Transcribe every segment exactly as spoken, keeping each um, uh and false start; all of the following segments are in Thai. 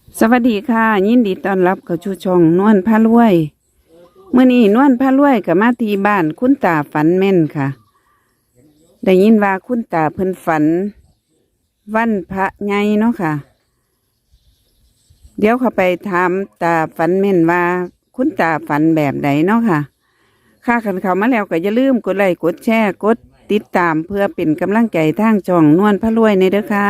สวัสดีค่ะยินดีต้อนรับเข้าสู่ช่องนวลพารวยเมื่อนี้นวลพารวยกับมาที่บ้านคุณตาฝันแม่นค่ะได้ยินว่าคุณตาเพิ่นฝันวันพระไงเนาะค่ะ เดี๋ยวเขาไปถามตาฝันแม่นว่า คุณตาฝันแบบใดเนาะค่ะค่าขันเขามาแล้วก็อย่าลืมกดไลค์กดแชร์กดติดตามเพื่อเป็นกำลังใจทางช่องนวลพารวยในเด้อค่ะ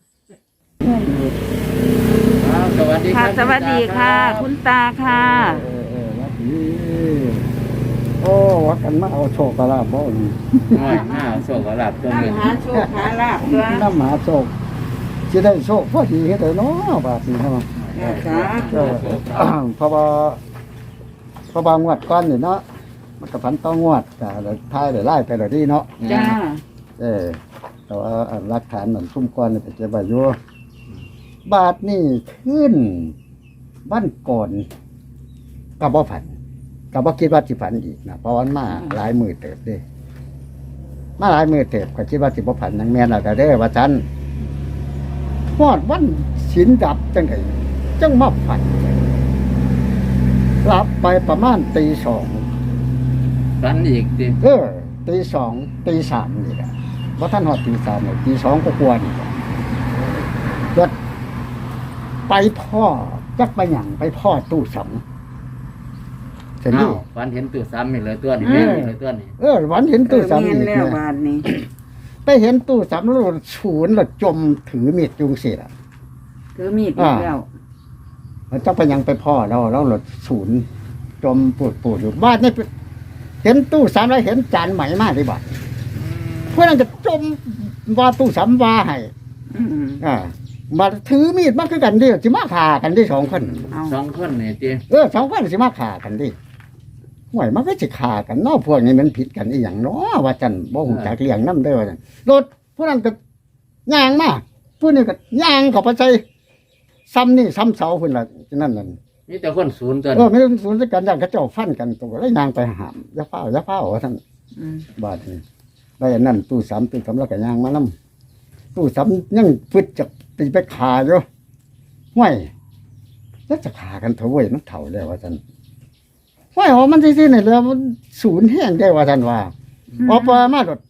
สวัสดีคค่ะรับสวัสดีค่ะ คุณตาค่ะเออเออวัดนี้โอ้วัดกันมาเอาโชคกระลาบบ่นี่น้อยหน้าโชคกระลับตัวหนึ่งหาโชคหาลาบด้วยน้ำหาโชคจะได้โชคพอดีเฮ็ดได้เนาะบาดนี้ครับค่ะเออเพราะว่าเพราะว่างวดก่อนนี่เนาะมันก็พันต้องงวดก็ได้ทายได้ไล่ไปแล้วดีเนาะจ้าเออแต่ว่าอันหลักฐานมันซุ่มก่อนนี่ไปเก็บไว้อยู่บาทนี่ขึ้นบ้านก่อนก็บ่ฝันก็บ่คิดว่าสิฝันอีกนะเพราะว่ามันมาหลายมื้อเติบเด้มาหลายมื้อเติบก็คิดว่าสิบ่ฝันนังแม่นแล้วก็เด้อว่าซั่นฮอดวันศีลดับจังได๋จังมาฝันหลับไปประมาณตีสองฝันอีกดิเออตีสองตีสามนี่แหละบ่ทันฮอดตีสามเลยตีสองก็กว่านี่แหละรถไปพ่อจักไปหยังไปพ่อตู้สำเห็นดิอ้าวฝันเห็นตัวซ้ำอีกเลยตัวนี้แม่นอีกเลยตัวนี้เออวันเห็นตู้สำเมียอีนกแล้วนะบาทนี้ไปเห็นตู้สำแล้วศูนย์แล้วจมถือมีดจุงเสียถือมีดอีกแล้วมันจักไปหยังไปพ่อเราเราหลดศูนย์จมปวดปวดอยู่บ้านนี่เห็นตู้สำแล้วเห็นจานใหม่มากเลยบ่เพื่อนจะจมว่าตู้สำว่าให้อืมอ่ามาถือมีดมาคือกันดิสิมาฆ่ากันดิสองคนเอาสองคนนี่ดิเออสองคนสิมาฆ่ากันดิห่วยมันก็สิฆ่ากันเนาะพวกนี้มันผิดกันอีหยังเนาะว่าจันบ่ฮู้จักเลี้ยงนำเด้อว่าจันรถผู้นั้นก็ย่างมาผู้นี้ก็ย่างเข้าไปใส่ซ้ำนี่ซ้ำเสาพุ่นล่ะนั่นนั่นมีแต่คนศูนย์ตัวเออไม่ต้องสนใจกันย่างเขาเจ้าฟันกันตัวแล้วย่างไปหามอย่าเฝ้าอย่าเฝ้าว่าซั่นอืมบาดนี้ได้อันนั้นตู้สามตู้สามแล้วก็ย่างมานํตู้สามยังฟึดจะตีไปฆ่าอยู่ห่วยแล้วจะฆ่ากันเถอะเว้ยมันเฒ่าแล้วว่าซั่นห่วยอ๋อมันซื่อๆนี่แหล้วมันศูนย์แห้งได้ว่าซั่นว่าพอปมาโดด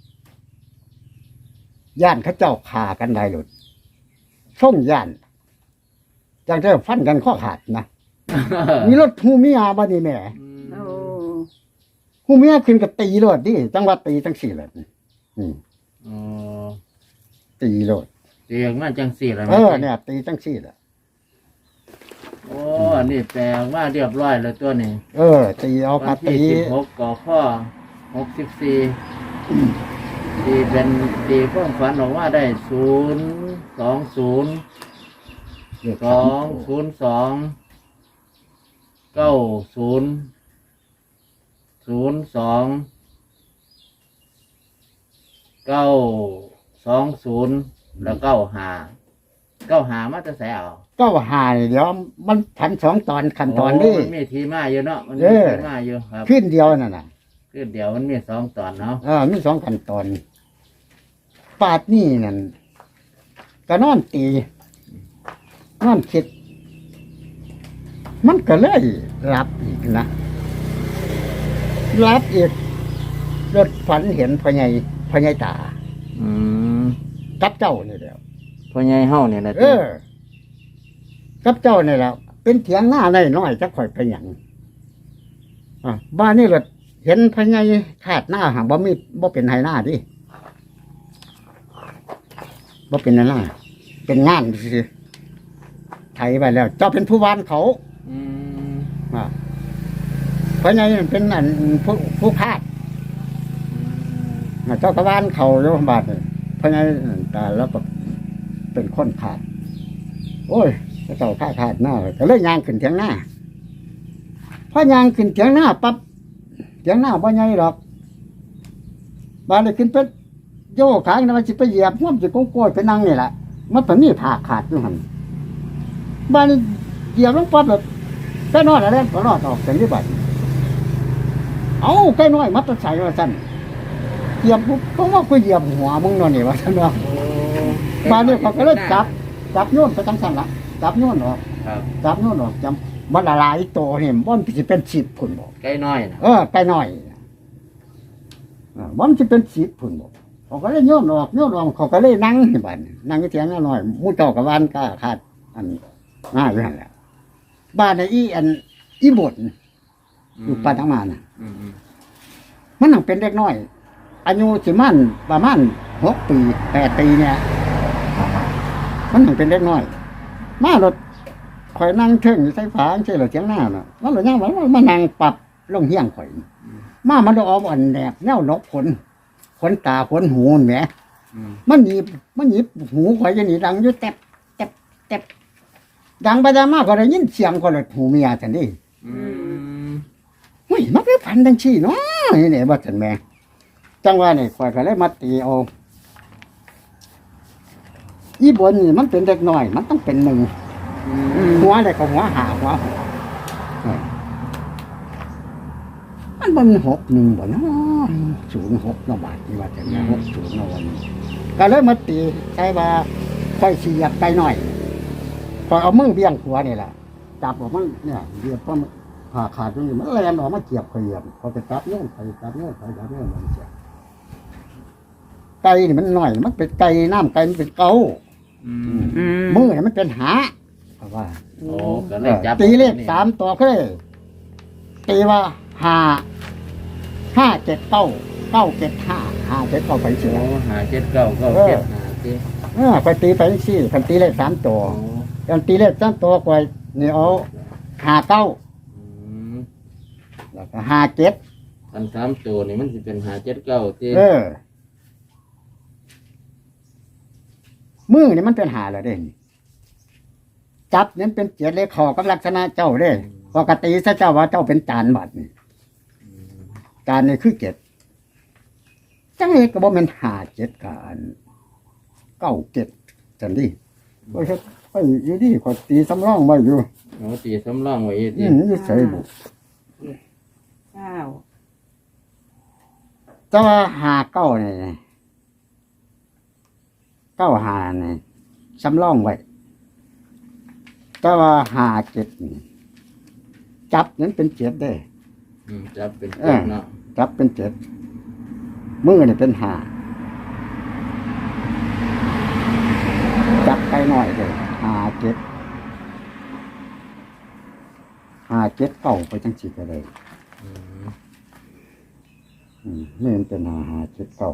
ย่านเขาเจ้าฆ่ากันได้โดดส่งย่านจังได้ฟันกันข้อขาดนะมีรถฮูเมียบัดนี้แหม่โอ้ฮูเมียขึ้นก็ตีโลดดิจังว่าตีจังสี่แหละอืมอ๋อตีโลดเรียกมาจังสี่แล้วเออเนี่ยตีจังสี่แหละโอ้อันนี้แปลว่าเรียบร้อยแล้วตัวนี้เออ ตีเอาวักานที่ตีสิบหกก่อข้อหกสิบสี่ตีเป็นตีเพิ่มฝันออกว่าได้ศูนย์สองศูนย์เรียกสองศูนย์สองเก้าศูนย์ศูนย์สองเก้าสองศูนย์แล้วเก้าหาเก้าหามาจะใส่เอาก็หายเดี๋ยวมันพันสองตอนขั้นตอนนี้โมันมีทีมาอยู่เนาะมันเอมีอทีมาอยู่ครับขึ้นเดียวนั่นน่ะคือเดี๋ยวมันมีสองตอนเนาะเออมีสองขั้นตอนปาดนี่นั่นก็นอนตีนอนคิด มันก็เลยรับอีกนะรับอีกรถฝันเห็นพ่อใหญ่พ่อใหญ่ตาอืมกับเจ้านี่แหล้วพ่อใหญ่เฮาเนี่ยนะเออ กับเจ้านี่แหล้วเป็นเถียงหน้าได้น้อยจะข่อยไปหยังอ่ะบ้านนี่รถเห็นพ่อใหญ่ขาดหน้าหางบ่มีบ่เป็นไหหน้าดิบ่เป็นไหหน้า เป็นงานสิไถไปแล้ว เจ้าเป็นผู้วานเขาอืมอ่ะพ่อใหญ่นั่นเป็นอันผู้ผู้คาดอ่ะเจ้าก็วานเขาโยมบาดนี่พ่อใหญ่นั่นตายแล้วก็เป็นคนขาด โอ้ยเจ้าข้าขาดหน้าก็เลยยางขึ้นเถียงหน้าพอยางขึ้นเถียงหน้าปั๊บเถียงหน้าบ่ใหญ่หรอกบานเลยขึ้นไปโยกขางนะมันสิไปเหยียบห่วมสิโกงโกยไปนั่งนี่แหละมันตอนนี้ผ่าขาดอยู่หันบานนี้เหยียบลงปั๊บแบบใกล้น้อยอะไรก็รอดออกจากนี้บัดเอาใกล้น้อยมัดตะใส่ว่าสั่นเหยียบปุ๊บก็ว่ากูเหยียบหัวมึงนอนนี่ว่าสั่นว่าโอ้บานนี้เขาก็เลยจับจับโยนไปจังสั่นละจับโยนออกครับจับโน่นออกจำมันละลายตัวเนี่ยมันสิเป็นสิบผุนบอกใกล้น้อยนะเออไปหน่อยเออมันจะเป็นสิบผุนบอกเขาก็เลยโยนออกโยนออกเขาก็เลยนั่งที่บ้านนั่งอยู่เถียงน้อยมู่เจ้ากับบ้านก็ขาดอันง่ายอยู่นั่นแหละบ้านในอีอันอีบดอยู่ปานทั้งมาน่ะอืมอืมมันนังเป็นเด็กน้อย อายุสิมันประมาณหกปีแปดปีเนี่ย มันนังเป็นเด็กน้อย มารถข่อยนั่งเทิงอยู่ใส่ฝาใช่หรือเสียงหน้าน่ะมันหรือย่างมันมานั่งปรับลงเฮี้ยงข่อย มามันเอาอ่อนแดบแนวนกขนขนตาขนหูนั่นแหมอืมมันหยิบมันหยิบหูข่อยจะหนีดังอยู่แตบแตบแตบดังไปดังมากก็ได้ยินเสียงก็เลยหูเมียฉันนี่อืมเฮ้ยมันเป็นพันดังชี้เนาะนี่เนี่ยบ่ฉันแม่จังว่านี่ข่อยก็เลยมาตีเอาอีบนนี่มันเป็นเด็กน้อย มันต้องเป็นหนึ่งอือืมมหัวเลยก็หัวหาหัวหกเออมันบ่มีหกหนึ่งบ่เนาะศูนย์หกเนาะบาทนี่ว่าจะมีหกศูนย์เนาะวันนี้ก็เลยมาตีใช่ว่าค่อยเสียบไปหน่อยพอยเอามือเบี้ยงหัวนี่แหละจับออกมันเนี่ยเบียบเพราะมันผ่าขาดตรงนี้มันแลนออกมาเกียบเขียบพอไปจับโน่นไปจับโน่นไปจับโน่นมันเสียไก่นี่มันหน่อยมันเป็นไก่น้ำไก่มันเป็นเกาอืมอืมมือเนี่ยมันเป็นหาเพราะว่าโอ้ก็เลยจับตีเลขสามตัวก็เลยตีว่าห้าห้าเจ็ดเก้าเก้าเจ็ดห้าห้าเจ็ดเก้าไปเสียโอ้หาเจ็ดเก้าเก้าเจ็ดหาเจ็ดเออไปตีไปสี่คันตีเลขสามตัวโอ้คันตีเลขสามตัวกว่านี่เอาห้าเก้าอืมแล้วก็ห้าเจ็ดอันสามตัวนี่มันสิเป็นหาเจ็ดเก้าเจ็ดเออมือนี่มันเป็นหาแล้วเด้นี่จับนี่เป็นเจ็ดเลขขอกับลักษณะเจ้าเด้ปกติซะเจ้าว่าเจ้าเป็นจานบัดนี่จานนี่คือเจ็ดจังเลยก็บ่แม่นหาเจ็ดกันเก้าเจ็ดจังดิโอ้ยไปอยู่ดีขอตีสำรองไว้อยู่โอ้ตีสำรองไว้อีกอืทีมอยู่ใส่บุเก้าแต่ว่าหาเก้านี่เก้าหานี่สำรองไว้แต่ว่าหาเจ็ดนี่จับนั้นเป็นเจ็ดได้อืมจับเป็นเจ็ดเนาะจับเป็นเจ็ดมือนี่เป็นหาจับไปหน่อยเลยหาเจ็ดหาเจ็ดเก้าไปจังสิก็เลยอืมอืมนี่มันเป็นหาหาเจ็ดเก้า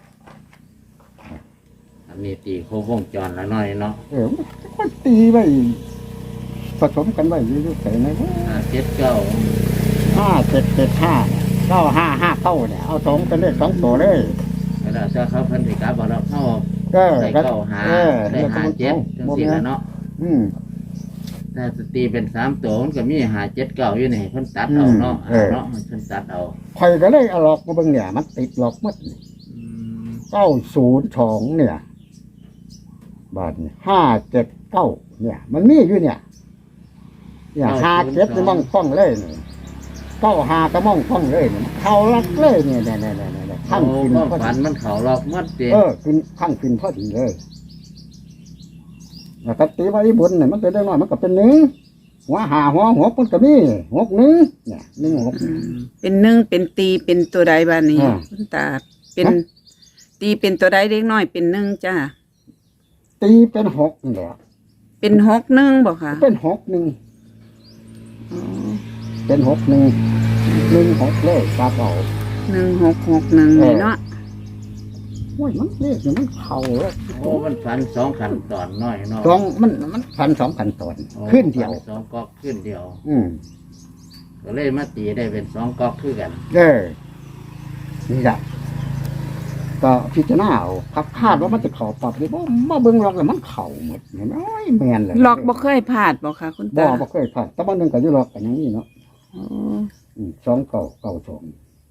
อันนี้ตีโครบวงจรแล้วน้อยเนาะเออมันก็ตีไว้ผสมกันไว้อยู่ๆใส่ในหาเจ็ดเก้าห้าเจ็ดเจ็ดห้าเก้าห้าห้าเก้าเนี่ยเอาสองเป็นเลขสองตัวเลยแล้วถ้าเขาเพิ่นสิกลับบ่เราเข้าเออได้เก้าหาเออได้หาเจ็ดจังซี่แล้วเนาะอืมถ้าสตีเป็นสามตัวมันก็มีหาเจ็ดเก้าอยู่นี่เพิ่นตัดเอาเนาะเออเนาะเพิ่นตัดเอาคอยก็เลยเอาหลอกมาเบิ่งเนี่ย มันติดหลอกหมัดอืมเก้าศูนย์สองเนี่ย บาทห้าเจ็ดเก้าเนี่ย มันมีอยู่เนี่ยเนี่ยห้าเจ็ดจะมองฟ้องเลยเนี่ยเก้าห้าก็มองฟ้องเลยเนี่ยเขารักเลยเนี่ยเนี่ยเนี่ยเนี่ยเนี่ยข้างโอ้ขึ้นก็พอฝันดีมันเขาหลอกหมัดเด้เออขึ้นข้างขึ้นพอดีเลยแล้วก็ตีไว้บนเนี่ยมันเป็นได้น้อยมันก็เป็นหนึ่งหัวหาหัวหัวมันก็มีหกหนึ่งเนี่ยหนึ่งหกอืมเป็นหนึ่งเป็นตีเป็นตัวใดบ้านนี้อ่าคุณตา เป็นฮะตีเป็นตัวใดเล็กน้อยเป็นหนึ่งจ้าตีเป็นหกนี่แหละเป็นหกหนึ่งบอกค่ะเป็นหกหนึ่งอ๋อเป็นหกหนึ่งหนึ่งหกเลยกาเก่าหนึ่งหกหกหนึ่งเลยเนาะโอ้ยมันเลขเนี่ยมันเข่าแล้วโอ้มันฝันสองขันตอนน้อยเนาะสองมันมันพันสองพันตอนโอ้ขึ้นเดียวฝัสองก๊อกขึ้นเดียวอืมก็เลยมาตีได้เป็นสองก๊อกคือกันเออนี่แหละก็พิจารณาเอาครับคาดว่ามันจะเข่าปรับเลยบ่มาเบิ่งหรอกเลยมันเข่าหมดเห็นไหมโอ้ยแมนเลยหลอกบ่เคยพลาดบอกค่ะ คุณบ่ตาบ่เคยผ่านแต่บ้านหนึงก็อยู่หรอกกันอย่างนี้เนาะอ๋ออืมสองเก่าเก่าสอง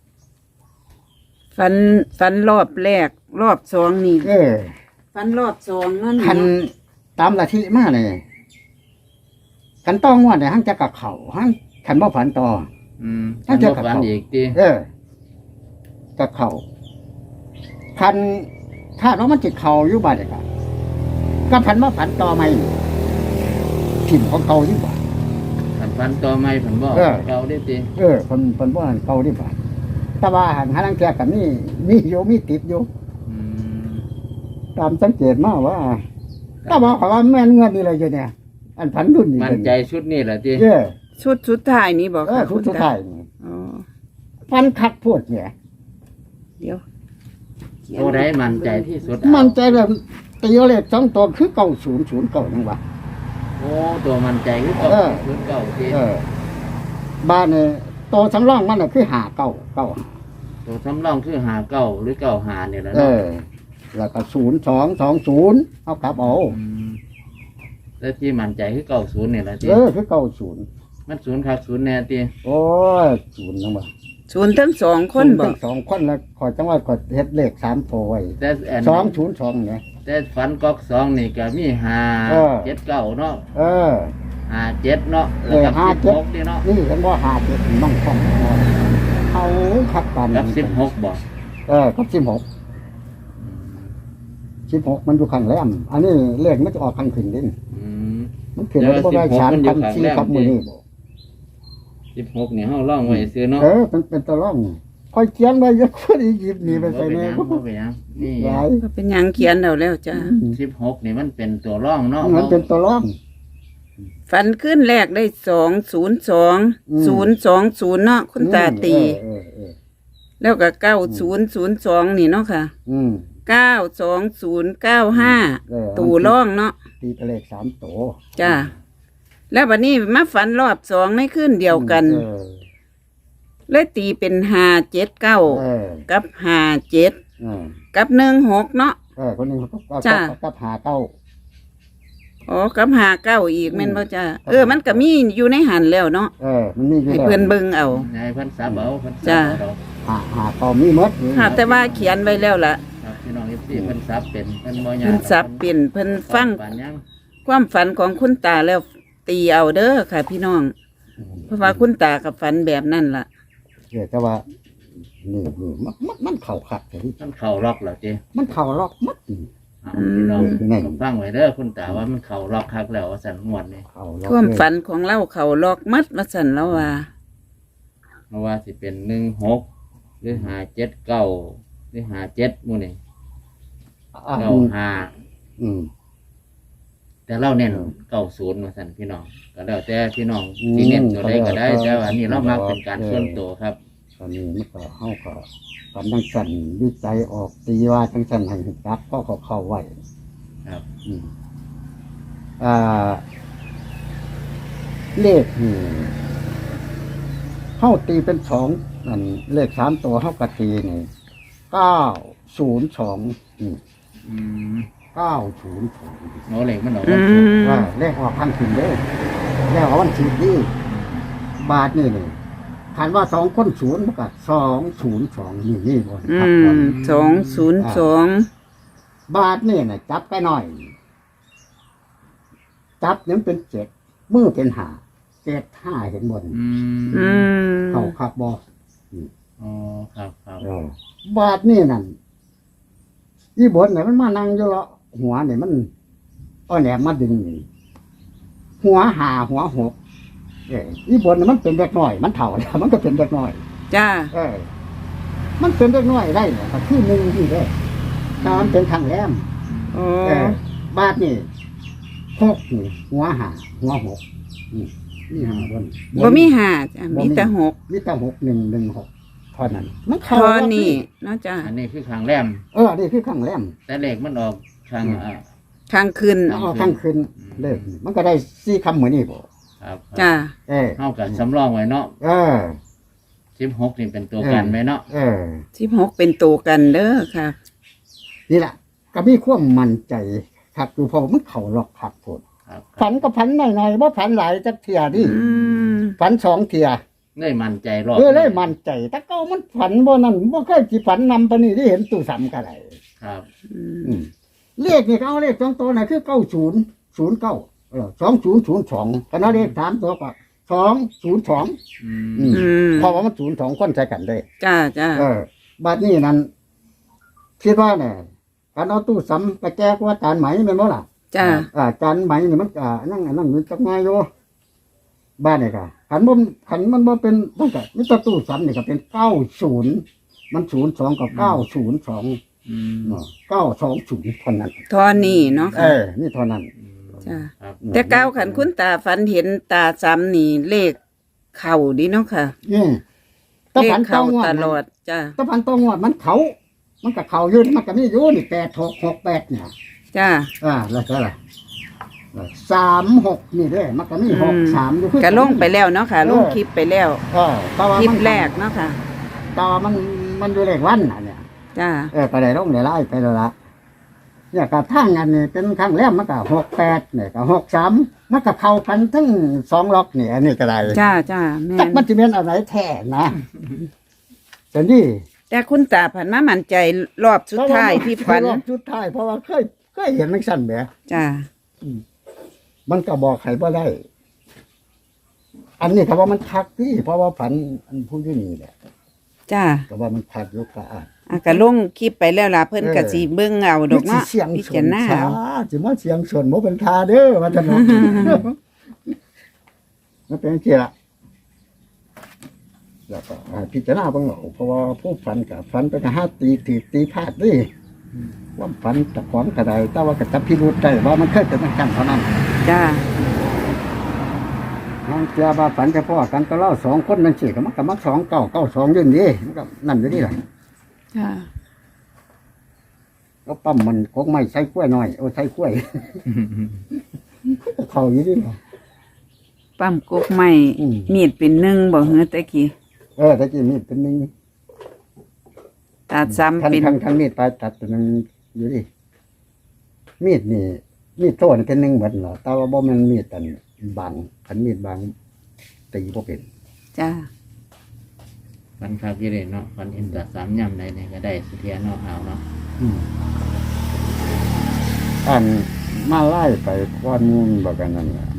ฟันฟันรอบแรก รอบสองนี่เออฟันรอบสองนั่นคันเนาะตามละทิมาเลยกันต้องงวดเนี่ยหังจะกับเข่าหังคันบ่ฝันต่ออืมน่าจะบ่ฝันอีกติเออกับเข่าคันคาดว่ามันจิตเข่าอยู่บ้านเด็กอะก็พันว่าฝันต่อไหมทถิ่มของเก่าดีกว่าขันฟันตัวใหม่ผมบอกเออเก่าได้ตีเออคนคนบ่หันเก่าดีกว่าแต่ว่าหันหาลังแกกับนี่มีอยู่มีติดอยู่อืมตามสังเกตมาว่าถ้าบอกเขาว่าแม่นเงินนี่เลยอยู่เนี่ย อันพันดุนนี่มันใจชุดนี้แหละตีเออชุดสุดท้ายนี่บอกเออค่ะทุกณสุดตาท้ายนี่อ๋อพันคักโพดเนี่ยเดี๋ยวตัวใดมันใจที่สุดมันใจแบบตีเอาเลขสองตัวคือเก้าศูนย์ศูนย์เก้ายังวะโอ้ตัวมันใจคือเก่าเออชุดเก่าตีเออ บ้านเนี่ยตัวสำรองมันน่ะคือหาเก้าเก้าตัวสำรองคือหาเก่าหรือเก่าหาเนี่ยแหละเอเนาะอ แล้วก็ศูนย์สองสองศูนย์เอากลับเอามแล้วที่มันใจคือเก่าศูนย์เนี่ยแหละตีเออคือเก้าศูนย์มันศูนย์ครับศูนย์แน่ตีโอ้ยศูนย์ยังวะศูนย์ทั้งสองคนบศูอน กย์สองคนแล้วขอจังหวัดขอเฮ็ดเลขสามตัวไว้แต่อันสองศูนย์สองเนี่ยแต่ฝันก๊อกสองนี่ก็มีหาเออเจ็ดเก้าเนาะเออหาเจ็ดเนาะแล้วกับเออห้าสิบเจ็ดหกนี่เนาะนี่ฉันว่าหาเจ็ดมันคล่องเขาขับกันกับสิบหกบอกเออกับสิบหกสิบหกมันอยู่ข้างแรมอันนี้เลขมันจะออกข้างขึ้นดินอืมมันขึ้นแล้วก็ได้ชานพันสี่กับมือนี่บอกสิบหกนี่เฮาล่องไว้ซื้อเนาะเออเป็นเป็นตะล่องคอยเขียนไว้เยอะคนอียิปต์นี่ไปใส่บ่แน่หยังบ่เป็นหยังนี่หลายก็เป็นหยังเขียนเอาแล้วจ้าสิบหกนี่มันเป็นตัวร่องเนาะมันเป็นตะล่องฝันขึ้นแรกได้สองศูนย์สองอืมศูนย์สองศูนย์เนาะคุณตาตีเออเออแล้วก็เก้าศูนย์ศูนย์สองนี่เนาะค่ะอืมเก้าสองศูนย์เก้าห้าเออตู่ร่องเนาะตีเป็นเลขสามตัวจ้าแล้ววันนี้มาฝันรอบสองในขึ้นเดียวกันเออเลยตีเป็นห้าเจ็ดเก้าเออกับห้าเจ็ดเออกับหนึ่งหกเนาะเออคนหนึงเขาก็ก็จ้ะก็หาเก้าอ๋อกับห้าเก้าอีกแม่นบ่จ้าเออมันก็มีอยู่ในหันแล้วเนาะเออ มันมีอยู่ให้แล้วเพิ่นเบิ่งเอานายเพันสับเอาเพันสัจ้ะบเอาดอกหาหาเก้ามีหมดค่ะแต่ว่าเขียนไว้แล้วล่ะครับพี่น้อง เอฟ ซี เพิ่นสับเป็นเพิ่นบ่ยากเพิ่นสับเปลี่ยนเพิ่นฟังปานยังความฝันของคุณตาแล้วตีเอาเด้อค่ะ พี่น้อง เพราะว่าคุณตากับฝันแบบนั้นล่ะเดี๋ยวแต่ว่านี่นี่มันมันมันเข่าขัดแต่ที่มันเข้าล็อกแล้วเจ้มันเข่าล็อกมัดนี่เอาพี่น้องอืมฟังไว้เด้อคุณตาว่ามันเข้าล็อกคักแล้วว่าซั่นงวดนี่เข่าล็อกความเลยฝันของเราเขาลอกมัดว่าสั่นแล้วว่าเพราะว่าสิเป็นหนึ่งหกหรือห้าเจ็ดเก้าหรือห้าเจ็ดหมู่นี่อ่าเก้าห้าอืมแต่เราเน้นเก้าศูนย์มาสั่นพี่น้องก็แล้วแต่พี่น้องที่เน้นตัวใดก็ได้แต่ว่านี่เรามักเป็นการส่วนตัวครับตอนนี้มันก็เข้าก็ตอนนั้นสั่นวิจัยออกตีว่าทั้งสั่นให้จับก็เขาเข้าไว้ครับอืมอ่า เลขนี่เข้าตีเป็นสองนั่นเลขสามตัวเข้ากะตีนี่เก้าศูนย์สองอืมอืมเก้าศูนย์สองโนเหล็กมันออกอืวันศุกร์มว่าเลขออกพันขึ้นเด้อเลขออกวันสิบนี่บาทนี่นี่คันว่าสองคนศูนย์มันก็สองศูนย์สองนี่นี่บนอืครับบนมสองศูนย์สองบาทนี่นะจับใกล้หน่อย จับนี่มันเป็นเจ็ดมือเป็นหาเจ็ดห้าเห็นบนอืมอืมเขาขับบออ๋อครับครับบาทนี่นั่นอีบนเนี่ยมันมานั่งอยู่ละหัวเนี่ยมันอ้อแหลมมาดึงนี่หัวหาหัวหกเอออีบนเนี่ยมันเป็นเด็กน้อย มันเถ่าแล้วมันก็เป็นเด็กน้อยจ้าเออ มันเป็นเด็กน้อยได้เนี่ยก็คือหนึ่งที่ได้ตามเป็นทางแรมโอ้เออบาทนี่หกนี่หัวหาหัวหกนี่นี่หาบนบ่มีห้าจ้ะมีแต่หกมีแต่หกหนึ่งหนึ่งหกเท่านั้น มันพเข้าอวัดนี่เนาะจ้าอันนี้คือข้างแรมเออนี่คือข้างแรมแต่เหล็กมันออกข้างอ่าทางขึ้นครัเอาข้างคืนเลิกมันก็ได้สี่คำเหมือนนี่บ่ครับจ้าเออเท่ากับสำรองไว้เนาะเออสิบหกนี่เป็นตัวกันไหมเนาะเออสิบหกเป็นตัวกันเด้อค่ะนี่แหละก็มีความมั่นใจครับดูพอมันเข่าหลอกขับผลครับคฝัรับนก็ฝันหน่อยๆว่าฝันหลายจักเทียดิอืมฝันสองเทียได้มั่นใจรอบเออเลยมั่นใจแต่ก็มันฝันบ่นั่นบ่เคยสิฝันนำปานนี้ที่เห็นตู้สำก็ได้ครับอืมอืมเลขนี่เขาเอาเลขสองตัวน่ะคือเก้าศูนย์ศูนย์เก้าเออสองศูนย์ศูนย์สองคณะเลขสามตัวก็สองศูนย์สองอืมอืมอืมเพราะว่ามันศูนย์สองคนใช้กันได้จ้าจ้าเออบัดนี้นั้นคิดว่าเนี่ยการเอาตู้ซ้ำไปแก้กว่าตานไหมแม่นบ่ล่ะจ้าอ่าจานไหมนี่มันอ่านั่งอันนั่งมันจักง่ายอยู่บ้านนี่ก็ขันบ่ขันมันบ่เป็นมันก็มิตรตู้สันนี่ก็เป็นเก้าศูนย์มันศูนย์สองกับเก้าศูนย์สองอืมเก้าสองศูนย์เท่านั้นทอนี่เนาะเอค่ะอนี่เท่านั้นจ้าครับแต่ก้าวขันคุณตาฝันเห็นตาซ้ำนี่เลขเข่าดีเนาะค่ะอืมตะเลขพันเข่าต้องวตดลอดจ้าตะพันต้องวดมันเขามันก็เขาอยู่นี่มันก็มีอยู่นี่แปดหกหกแปดเนี่ยจ้าอ่าแล้วก็อะไรสามหกนี่เด้มันก็มีหกสามอยู่คือก็ลงไปแล้วเนาะค่ะลงคลิปไปแล้วเออแต่ว่าคลิปมันแรกเนาะค่ะต่อมันมันอยู่เลขวันน่ะเนี่ยจ้าเออไปได้ลงได้ไล่ไปแล้วละเนี่ยกับทางอันนี้เป็นครั้งแรกมันก็หกแปดเนี่ยก็หกสามมันก็เข้ากันทั้งสองล็อกเนี่ยอันนี้ก็ได้จ้าจ้าแม่จักนมันจะเป็นอะไรแท้นะแต่นี่แต่คุณตาผันมามั่นใจรอบสุดท้ายที่ฝันรอบสุดท้ายเพราะว่าเคยเคยเห็นมันสั่นแบบจ้ามันก็บอกใครบ่ได้ อันนี้ก็ว่ามันคักที่เพราะว่าฝันอันผู้ที่นี่แหละจ้าก็ว่ามันคักอยกกะอ่านอ่ะก็ลงคลิปไปแล้วล่ะเพิ่นก็สิเบิ่งเอาดอกเนาะสิเสียงพิชจารนณาช้าเอาสิมาเสียงชนบ่เป็นทาเด้อว่าจะเนาะ มันเป็นจังซี่ล่ะแล้วก็ให้พิจารณาเบิ่งเอาเพราะว่าผู้ฝันกับฝันไปก็หาตีตีตีพลาดเดิว่าฝันตะของกระไดแต่ว่าก็จับพิรุธได้ว่ามันเคยเป็นจังซั่นเท่านั้นจ้าน้องเจ้าว่าฝันเฉพาะกันก็เล่าสองคนนั่นสิก็มันก็มักสองเก้าเก้าสองยืนดีมันก็นั่นอยู่นี่แหละจ้าแล้วปั๊มมันคงไม่ใช้กล้วยหน่อยโอ้ใช้กล้วย เขาอยู่นี่แหละปั๊มกกไม้อืมมีดเป็นหนึ่งบ่เฮือตะกี้เออแต่กี้มีดเป็นหนึ่งตาซ้ำทั้งเป็นทั้งทั้งมีดปลายตัดเป็นหนึ่งอยู่ดิมีดนี่มีดโต้นเป็นหนึ่งเหมือนเหรอแต่ว่าบ่แมันมีดอันบางขันมีดบางตีบ่เป็นจ้าฟันครับยี่เลยเนาะฟันเห็นแต่สามย่ำใดเนี่ยก็ได้สุเทียนเนาะเอาเนาะอืมอันมาไล่ไปก้อนมูลบอกกันนั่นแหละ